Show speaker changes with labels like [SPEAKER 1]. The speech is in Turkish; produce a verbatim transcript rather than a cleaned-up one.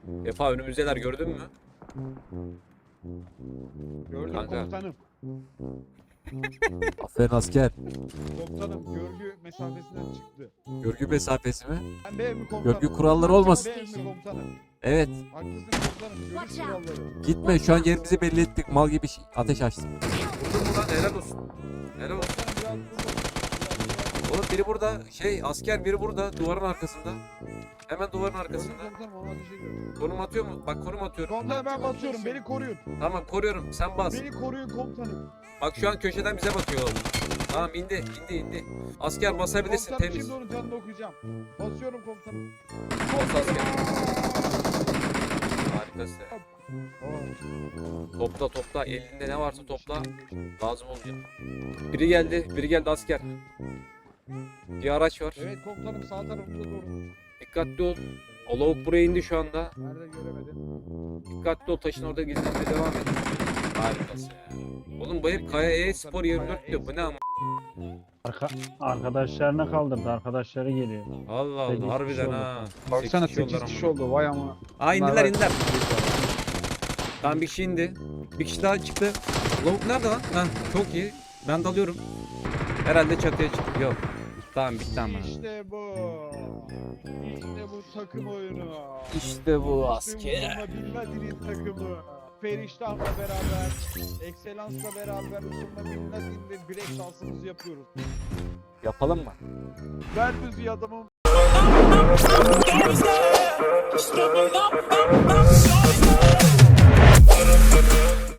[SPEAKER 1] Efa önümüzdeler, gördün mü?
[SPEAKER 2] Gördüm
[SPEAKER 1] Kanka.
[SPEAKER 2] komutanım.
[SPEAKER 3] Aferin asker.
[SPEAKER 2] Komutanım görgü mesafesinden çıktı.
[SPEAKER 3] Görgü mesafesi mi?
[SPEAKER 2] Ben B mi komutanım?
[SPEAKER 3] Görgü kuralları olmasın.
[SPEAKER 2] B mi komutanım?
[SPEAKER 3] Evet.
[SPEAKER 2] Haklısın komutanım. Görgü kuralları.
[SPEAKER 3] Gitme, şu an yerimizi belli ettik. Mal gibi şi- ateş açtık.
[SPEAKER 1] Vurdun mu lan? Helal olsun. Helal olsun.
[SPEAKER 2] Komutanım biraz burada.
[SPEAKER 1] Oğlum biri burada, şey asker biri burada, duvarın arkasında. Hemen duvarın
[SPEAKER 2] Gördüm
[SPEAKER 1] arkasında.
[SPEAKER 2] komutanım ama ateş ediyorum.
[SPEAKER 1] Konum atıyor mu? Bak konum atıyorum.
[SPEAKER 2] Komutanım ben basıyorum. Beni koruyun.
[SPEAKER 1] Tamam koruyorum, sen bas.
[SPEAKER 2] Beni koruyun komutanım.
[SPEAKER 1] Bak şu an köşeden bize bakıyor oğlum. Tamam indi, indi, indi. Asker basabilirsin,
[SPEAKER 2] Komutanım
[SPEAKER 1] temiz.
[SPEAKER 2] şimdi onun canını okuyacağım. Basıyorum komutanım.
[SPEAKER 1] Bas asker. Harikasın. Topla topla, elinde ne varsa topla. Lazım olacak. Biri geldi, biri geldi asker. Bir araç var.
[SPEAKER 2] Evet komutanım sağ tarafımda doğru.
[SPEAKER 1] Dikkatli ol. O lavuk buraya indi şu anda.
[SPEAKER 2] Nerede göremedim.
[SPEAKER 1] Dikkatli ol, taşın orada gizlenmeye devam et. Harikasın ya. Oğlum bu hep Kaya E-Spor yirmi dört diyor. Bu ne ama?
[SPEAKER 4] Arka, arkadaşlarına kaldırdı. Arkadaşları geliyor.
[SPEAKER 1] Allah
[SPEAKER 4] Sekiz
[SPEAKER 1] Allah,
[SPEAKER 4] kişi
[SPEAKER 1] harbiden
[SPEAKER 4] oldu.
[SPEAKER 1] ha.
[SPEAKER 2] Baksana
[SPEAKER 1] Sekiz
[SPEAKER 2] sekiz
[SPEAKER 1] oldular
[SPEAKER 2] kişi
[SPEAKER 1] ama.
[SPEAKER 2] oldu vay ama.
[SPEAKER 1] Aa indiler
[SPEAKER 2] Bunlar var.
[SPEAKER 1] indiler. Tamam bir kişi indi. Bir kişi daha çıktı. Lavuk nerede lan? Ha çok iyi. Ben dalıyorum. Herhalde çatıya çıktı. Yok. Tamam bitti ama.
[SPEAKER 2] İşte bu. İşte bu takım oyunu.
[SPEAKER 1] İşte bu
[SPEAKER 2] Usama Bin Laden'in takımı. Periştah'la beraber, Excellence'la beraber Usama Bin Laden'le bilek şansımızı yapıyoruz.
[SPEAKER 1] Yapalım mı?
[SPEAKER 2] Ben müziği adamım.
[SPEAKER 5] Gangsta, stepping up, up, up, up, up.